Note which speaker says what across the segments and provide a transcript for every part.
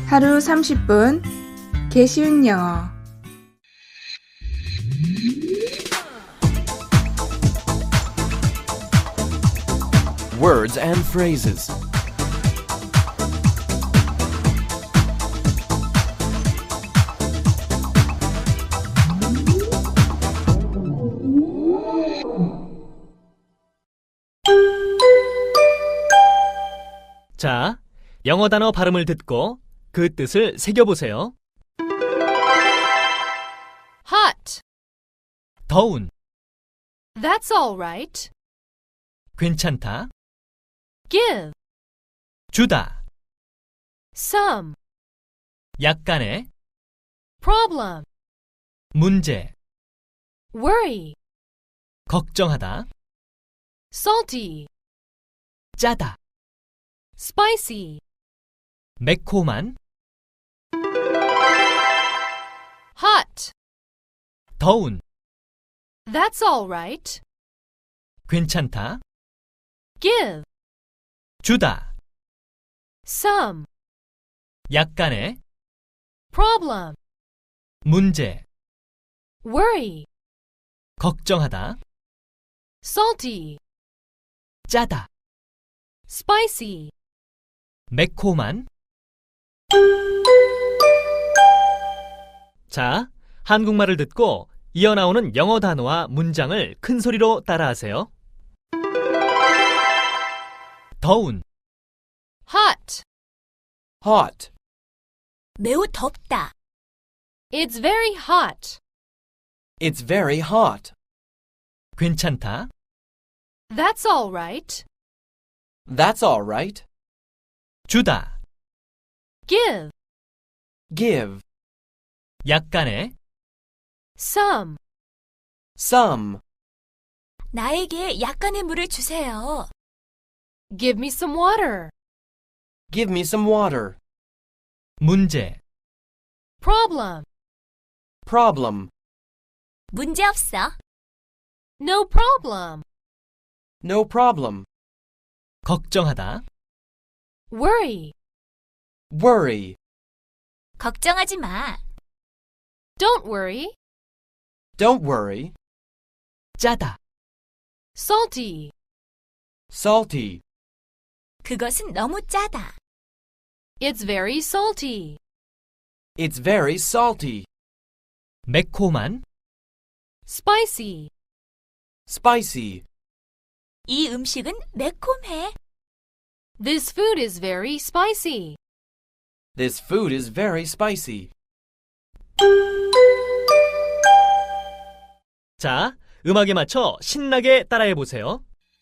Speaker 1: 하루 30분 개쉬운 영어.
Speaker 2: Words and phrases.
Speaker 3: 자, 영어 단어 발음을 듣고 그 뜻을 새겨보세요.
Speaker 4: Hot.
Speaker 3: 더운,
Speaker 4: That's all right.
Speaker 3: 괜찮다,
Speaker 4: Give.
Speaker 3: 주다,
Speaker 4: Some.
Speaker 3: 약간의,
Speaker 4: Problem.
Speaker 3: 문제,
Speaker 4: Worry.
Speaker 3: 걱정하다,
Speaker 4: Salty.
Speaker 3: 짜다,
Speaker 4: Spicy.
Speaker 3: 매콤한,
Speaker 4: Hot.
Speaker 3: 더운,
Speaker 4: That's all right.
Speaker 3: 괜찮다,
Speaker 4: Give.
Speaker 3: 주다,
Speaker 4: Some.
Speaker 3: 약간의,
Speaker 4: Problem.
Speaker 3: 문제,
Speaker 4: Worry.
Speaker 3: 걱정하다,
Speaker 4: Salty.
Speaker 3: 짜다,
Speaker 4: Spicy.
Speaker 3: 매콤한. 자, 한국말을 듣고 이어나오는 영어 단어와 문장을 큰 소리로 따라하세요. 더운,
Speaker 4: Hot.
Speaker 2: Hot.
Speaker 5: 매우 덥다.
Speaker 4: It's very hot.
Speaker 2: It's very hot.
Speaker 3: 괜찮다,
Speaker 4: That's all right.
Speaker 2: That's all right.
Speaker 3: 주다,
Speaker 4: Give.
Speaker 2: Give.
Speaker 3: 약간의,
Speaker 4: Some.
Speaker 2: Some.
Speaker 5: 나에게 약간의 물을 주세요.
Speaker 4: Give me some water.
Speaker 2: Give me some water.
Speaker 3: 문제,
Speaker 4: Problem.
Speaker 2: Problem.
Speaker 5: 문제 없어.
Speaker 4: No problem.
Speaker 2: No problem.
Speaker 3: 걱정하다,
Speaker 4: Worry.
Speaker 2: Worry.
Speaker 5: 걱정하지 마.
Speaker 4: Don't worry.
Speaker 2: Don't worry.
Speaker 3: 짜다,
Speaker 4: Salty.
Speaker 2: Salty.
Speaker 5: 그것은 너무 짜다.
Speaker 4: It's very salty.
Speaker 2: It's very salty.
Speaker 3: 매콤한,
Speaker 4: Spicy.
Speaker 2: Spicy.
Speaker 5: 이 음식은 매콤해.
Speaker 4: This food is very spicy.
Speaker 2: This food is very spicy.
Speaker 3: 자, 음악에 맞춰 신나게 따라해보세요.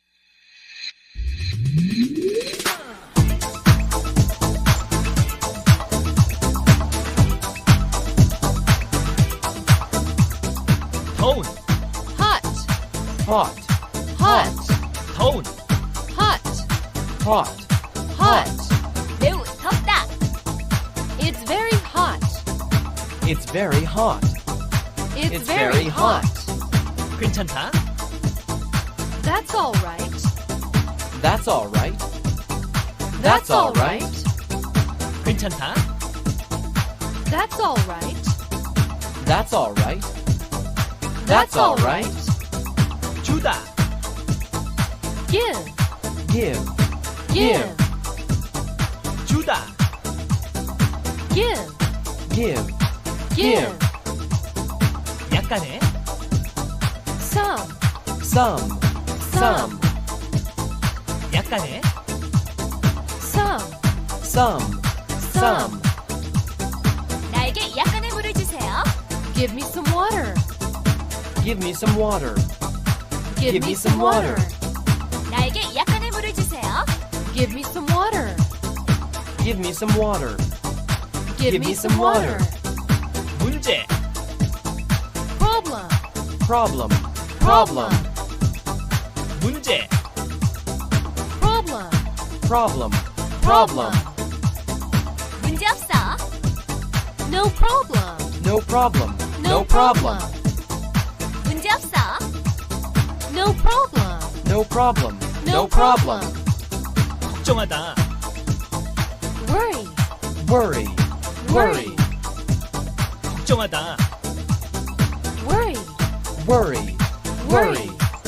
Speaker 3: 더운,
Speaker 4: Hot.
Speaker 2: Hot.
Speaker 4: Hot.
Speaker 3: 더운,
Speaker 4: Hot.
Speaker 2: Hot.
Speaker 4: Hot.
Speaker 5: 매우 덥다.
Speaker 4: It's very hot.
Speaker 2: It's very hot.
Speaker 4: It's very hot.
Speaker 3: 괜찮다,
Speaker 4: That's all right.
Speaker 2: That's all right.
Speaker 4: That's all right.
Speaker 3: 괜찮다,
Speaker 4: That's all right.
Speaker 2: That's all right.
Speaker 4: That's all right.
Speaker 3: 주다,
Speaker 4: Give.
Speaker 2: Give.
Speaker 4: Give.
Speaker 3: 주다,
Speaker 4: Give.
Speaker 2: Give.
Speaker 4: Give.
Speaker 3: 약간의,
Speaker 4: Some.
Speaker 2: Some. Some.
Speaker 3: 약간의,
Speaker 4: Some.
Speaker 2: Some. Some.
Speaker 5: 나에게 약간의 물을 주세요.
Speaker 4: Give me some water.
Speaker 2: Give me some water.
Speaker 4: Give me some water.
Speaker 5: 나에게 약간의 물을 주세요.
Speaker 4: Give me some water.
Speaker 2: Give me some water.
Speaker 4: Give me some water.
Speaker 3: 문제,
Speaker 4: Problem.
Speaker 2: Problem.
Speaker 4: Problem.
Speaker 3: 문제,
Speaker 4: Problem.
Speaker 2: Problem.
Speaker 4: Problem.
Speaker 5: 문제 없어.
Speaker 4: No problem.
Speaker 2: No problem.
Speaker 4: No problem.
Speaker 5: 문제 없어.
Speaker 4: No problem.
Speaker 2: No problem.
Speaker 4: No problem.
Speaker 3: 걱정하다,
Speaker 4: Worry.
Speaker 2: Worry. worry,
Speaker 3: 걱정하다.
Speaker 4: Worry.
Speaker 2: worry, worry.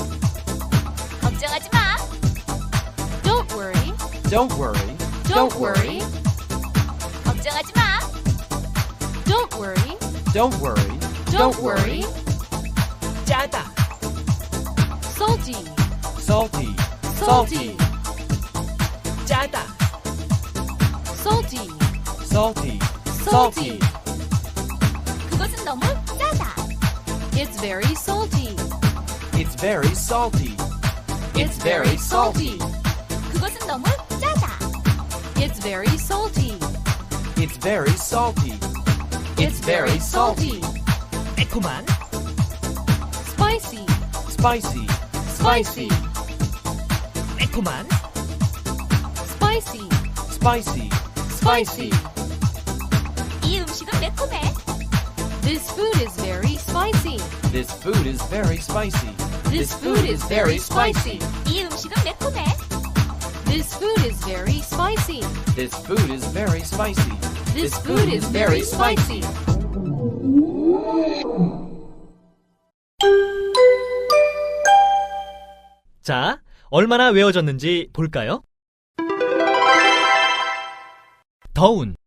Speaker 5: 걱정하지 마.
Speaker 4: Don't worry.
Speaker 2: Don't worry,
Speaker 4: Don't worry.
Speaker 5: 걱정하지 마.
Speaker 4: Don't worry.
Speaker 2: don't worry,
Speaker 4: Don't worry.
Speaker 3: 짜다.
Speaker 4: Salty.
Speaker 2: salty,
Speaker 4: Salty.
Speaker 3: 짜다.
Speaker 4: Salty.
Speaker 2: salty,
Speaker 4: Salty.
Speaker 5: 그것은 너무 짜다.
Speaker 4: It's very salty.
Speaker 2: It's very salty.
Speaker 4: It's very salty.
Speaker 5: 그것은 너무 짜다.
Speaker 4: It's very salty.
Speaker 2: It's very salty.
Speaker 4: It's very salty.
Speaker 3: 매콤한.
Speaker 4: Spicy.
Speaker 2: Spicy,
Speaker 4: Spicy.
Speaker 3: 매콤한.
Speaker 4: Spicy.
Speaker 2: spicy.
Speaker 4: Spicy.
Speaker 5: 이 음식은 매콤해.
Speaker 4: This food is very spicy.
Speaker 2: This food is very spicy.
Speaker 4: This food is very spicy.
Speaker 5: 이 음식은 매콤해.
Speaker 4: This food is very spicy.
Speaker 2: This food is very spicy.
Speaker 4: This food is very spicy.
Speaker 3: 자, 얼마나 외워졌는지 볼까요? 더운.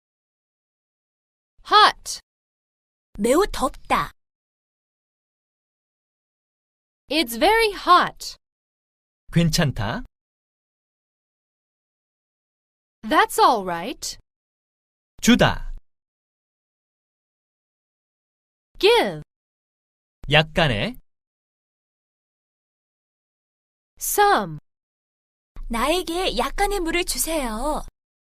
Speaker 4: Hot.
Speaker 5: 매우 덥다.
Speaker 4: It's very hot.
Speaker 3: 괜찮다.
Speaker 4: That's all right.
Speaker 3: 주다.
Speaker 4: Give.
Speaker 3: 약간의.
Speaker 4: Some.
Speaker 5: 나에게 약간의 물을 주세요.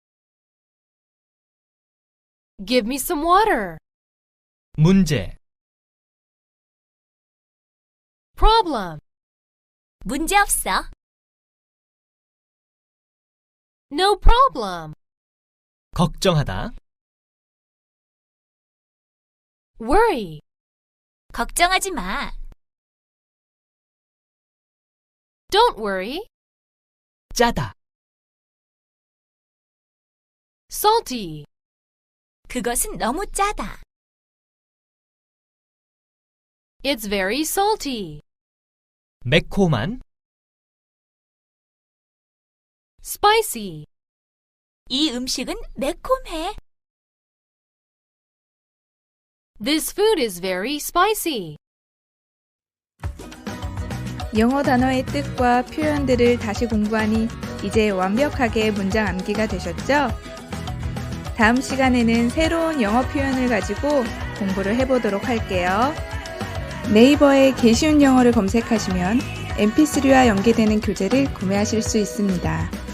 Speaker 4: Give me some water.
Speaker 3: 문제.
Speaker 4: Problem.
Speaker 5: 문제 없어.
Speaker 4: No problem.
Speaker 3: 걱정하다.
Speaker 4: Worry.
Speaker 5: 걱정하지 마.
Speaker 4: Don't worry.
Speaker 3: 짜다.
Speaker 4: Salty.
Speaker 5: 그것은 너무 짜다.
Speaker 4: It's very salty.
Speaker 3: 매콤한.
Speaker 4: Spicy.
Speaker 5: 이 음식은 매콤해.
Speaker 4: This food is very spicy.
Speaker 1: 영어 단어의 뜻과 표현들을 다시 공부하니 이제 완벽하게 문장 암기가 되셨죠? 다음 시간에는 새로운 영어 표현을 가지고 공부를 해보도록 할게요. 네이버에 개쉬운 영어를 검색하시면 mp3와 연계되는 교재를 구매하실 수 있습니다.